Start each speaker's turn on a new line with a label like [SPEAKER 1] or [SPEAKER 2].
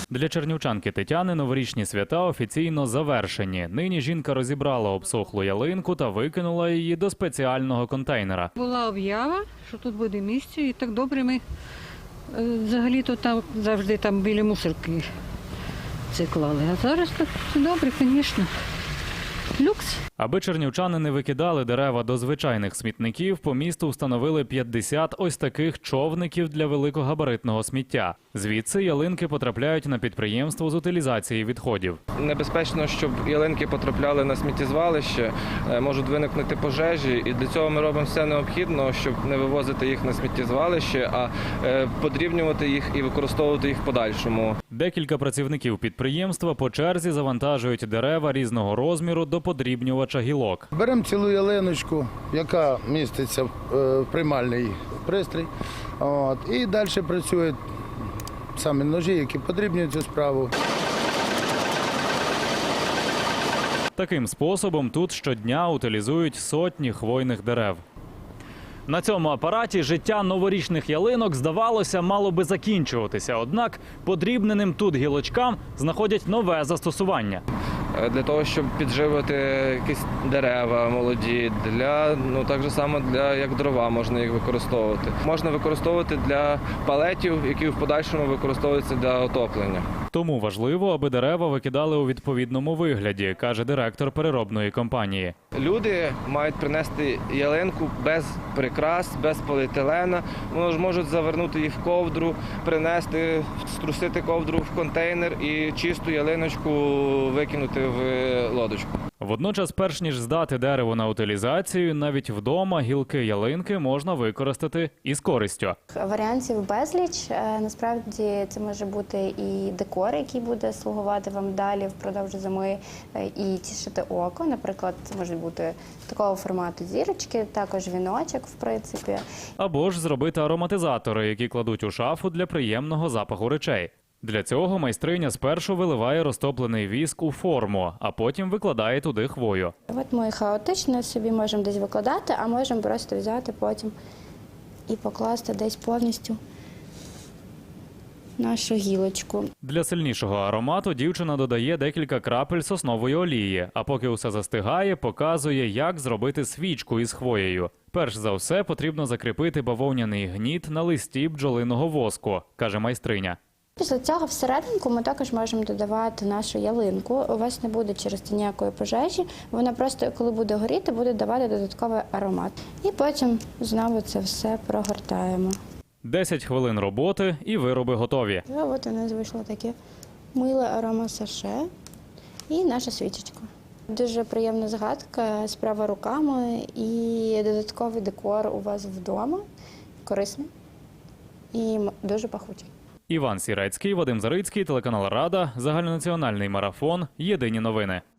[SPEAKER 1] Для чернівчанки Тетяни новорічні свята офіційно завершені. Нині жінка розібрала обсохлу ялинку та викинула її до спеціального контейнера.
[SPEAKER 2] Була об'ява, що тут буде місце, і так добре ми взагалі-то там завжди там біля мусорки це клали. А зараз так все добре, звісно. Люкс.
[SPEAKER 1] Аби чернівчани не викидали дерева до звичайних смітників, по місту встановили 50 ось таких човників для великогабаритного сміття. Звідси ялинки потрапляють на підприємство з утилізації відходів.
[SPEAKER 3] Небезпечно, щоб ялинки потрапляли на сміттєзвалище, можуть виникнути пожежі, і для цього ми робимо все необхідне, щоб не вивозити їх на сміттєзвалище, а подрібнювати їх і використовувати їх в подальшому.
[SPEAKER 1] Декілька працівників підприємства по черзі завантажують дерева різного розміру до подрібнювача гілок.
[SPEAKER 4] Беремо цілу ялиночку, яка міститься в приймальний пристрій, і далі працюють самі ножі, які подрібнюють цю справу.
[SPEAKER 1] Таким способом тут щодня утилізують сотні хвойних дерев. На цьому апараті життя новорічних ялинок, здавалося, мало би закінчуватися. Однак подрібненим тут гілочкам знаходять нове застосування.
[SPEAKER 3] Для того, щоб підживити якісь дерева молоді, так же само як дрова можна їх використовувати. Можна використовувати для палетів, які в подальшому використовуються для отоплення.
[SPEAKER 1] Тому важливо, аби дерева викидали у відповідному вигляді, каже директор переробної компанії.
[SPEAKER 3] Люди мають принести ялинку без прикрас, без поліетилена. Вони можуть завернути їх в ковдру, принести, струсити ковдру в контейнер і чисту ялиночку викинути в лодочку.
[SPEAKER 1] Водночас, перш ніж здати дерево на утилізацію, навіть вдома гілки ялинки можна використати із користю.
[SPEAKER 5] Варіантів безліч. Насправді це може бути і декор, який буде слугувати вам далі впродовж зими і тішити око. Наприклад, це може бути такого формату зірочки, також віночок, в принципі.
[SPEAKER 1] Або ж зробити ароматизатори, які кладуть у шафу для приємного запаху речей. Для цього майстриня спершу виливає розтоплений віск у форму, а потім викладає туди хвою.
[SPEAKER 5] От ми хаотично собі можемо десь викладати, а можемо просто взяти потім і покласти десь повністю нашу гілочку.
[SPEAKER 1] Для сильнішого аромату дівчина додає декілька крапель соснової олії, а поки усе застигає, показує, як зробити свічку із хвоєю. Перш за все потрібно закріпити бавовняний гніт на листі бджолиного воску, каже майстриня.
[SPEAKER 5] Після цього всерединку ми також можемо додавати нашу ялинку. У вас не буде через це ніякої пожежі. Вона просто, коли буде горіти, буде давати додатковий аромат. І потім знову це все прогортаємо.
[SPEAKER 1] 10 хвилин роботи і вироби готові.
[SPEAKER 5] І от у нас вийшло таке миле аромасаше і наша свічечка. Дуже приємна згадка, справа руками і додатковий декор у вас вдома. Корисний і дуже пахучий.
[SPEAKER 1] Іван Сірецький, Вадим Зарицький, телеканал Рада, загальнонаціональний марафон, єдині новини.